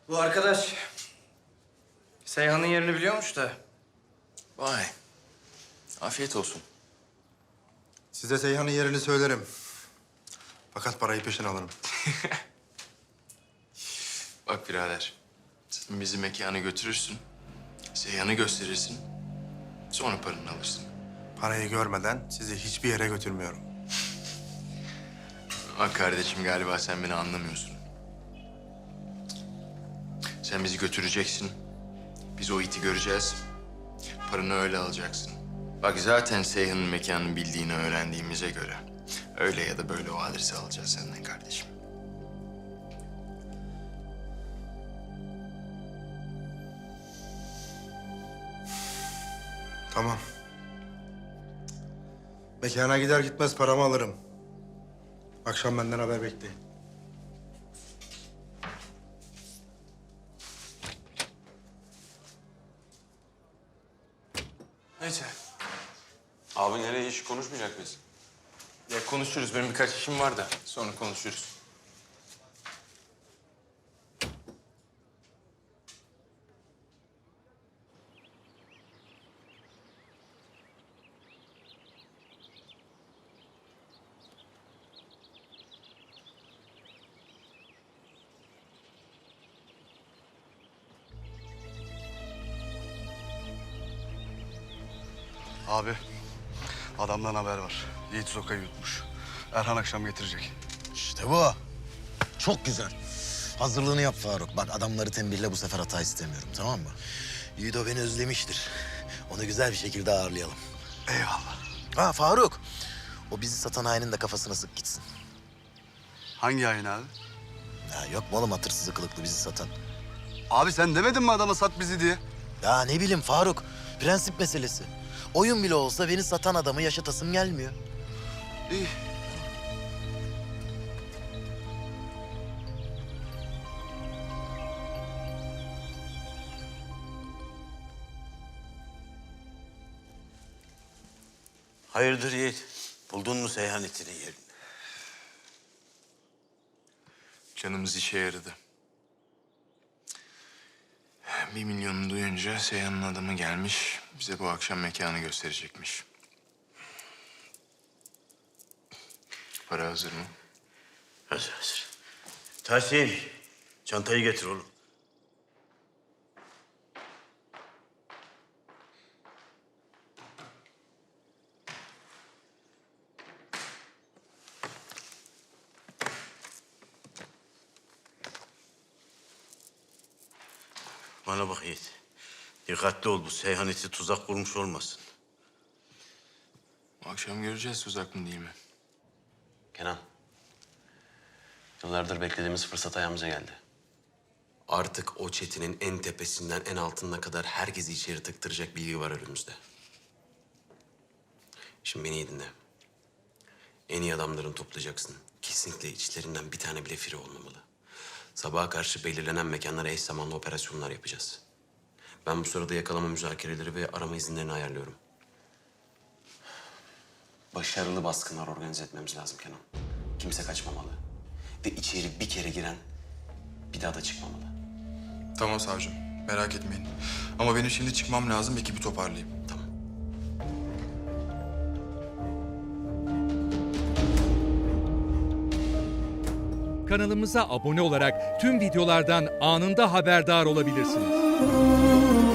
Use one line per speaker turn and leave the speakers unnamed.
Bu arkadaş Seyhan'ın yerini biliyormuş da.
Vay. Afiyet olsun.
Size Seyhan'ın yerini söylerim. Fakat parayı peşin alırım.
Bak birader. Sen bizi mekana götürürsün. Seyhan'ı gösterirsin. Sonra paranı alırsın.
Parayı görmeden sizi hiçbir yere götürmüyorum.
Bak kardeşim galiba sen beni anlamıyorsun. Sen bizi götüreceksin. Biz o iti göreceğiz. Paranı öyle alacaksın. Bak zaten Seyhan'ın mekanını bildiğini öğrendiğimize göre... öyle ya da böyle o adresi alacağız senden kardeşim.
Tamam. Mekana gider gitmez paramı alırım. Akşam benden haber bekleyin.
Neyse.
Abi nereye hiç konuşmayacak mıyız?
Ya konuşuruz. Benim birkaç işim var da sonra konuşuruz.
Abi, adamdan haber var. Yiğit Zoka'yı yutmuş. Erhan akşam getirecek.
İşte bu. Çok güzel. Hazırlığını yap Faruk. Bak adamları tembihle bu sefer hata istemiyorum, tamam mı? Yiğido beni özlemiştir. Onu güzel bir şekilde ağırlayalım.
Eyvallah.
Ha Faruk. O bizi satan hainin de kafasına sık gitsin.
Hangi yayın abi?
Ya yok mu oğlum hatırsızı kılıklı bizi satan?
Abi sen demedin mi adama sat bizi diye?
Ya ne bileyim Faruk. Prensip meselesi. Oyun bile olsa beni satan adamı yaşatasım gelmiyor.
İyi.
Hayırdır Yiğit? Buldun mu Seyhan itinin yerini?
Canımız işe yaradı. 1 milyonu duyunca Seyhan'ın adamı gelmiş. Bize bu akşam mekanı gösterecekmiş. Para hazır mı?
Hazır hazır. Tahsin, çantayı getir oğlum. Bana bak Yiğit. Dikkatli ol, bu Seyhan iti tuzak kurmuş olmasın.
Bu akşam göreceğiz tuzak mı değil mi?
Kenan, yıllardır beklediğimiz fırsat ayağımıza geldi. Artık o çetinin en tepesinden en altına kadar herkesi içeri tıktıracak bilgi var önümüzde. Şimdi beni iyi dinle. En iyi adamlarını toplayacaksın. Kesinlikle içlerinden bir tane bile firi olmamalı. Sabaha karşı belirlenen mekanlara eş zamanlı operasyonlar yapacağız. Ben bu sırada yakalama müzakereleri ve arama izinlerini ayarlıyorum. Başarılı baskınlar organize etmemiz lazım Kenan. Kimse kaçmamalı. Ve içeri bir kere giren bir daha da çıkmamalı.
Tamam savcım, merak etmeyin. Ama benim şimdi çıkmam lazım, ekibi toparlayayım.
Tamam.
Kanalımıza abone olarak tüm videolardan anında haberdar olabilirsiniz.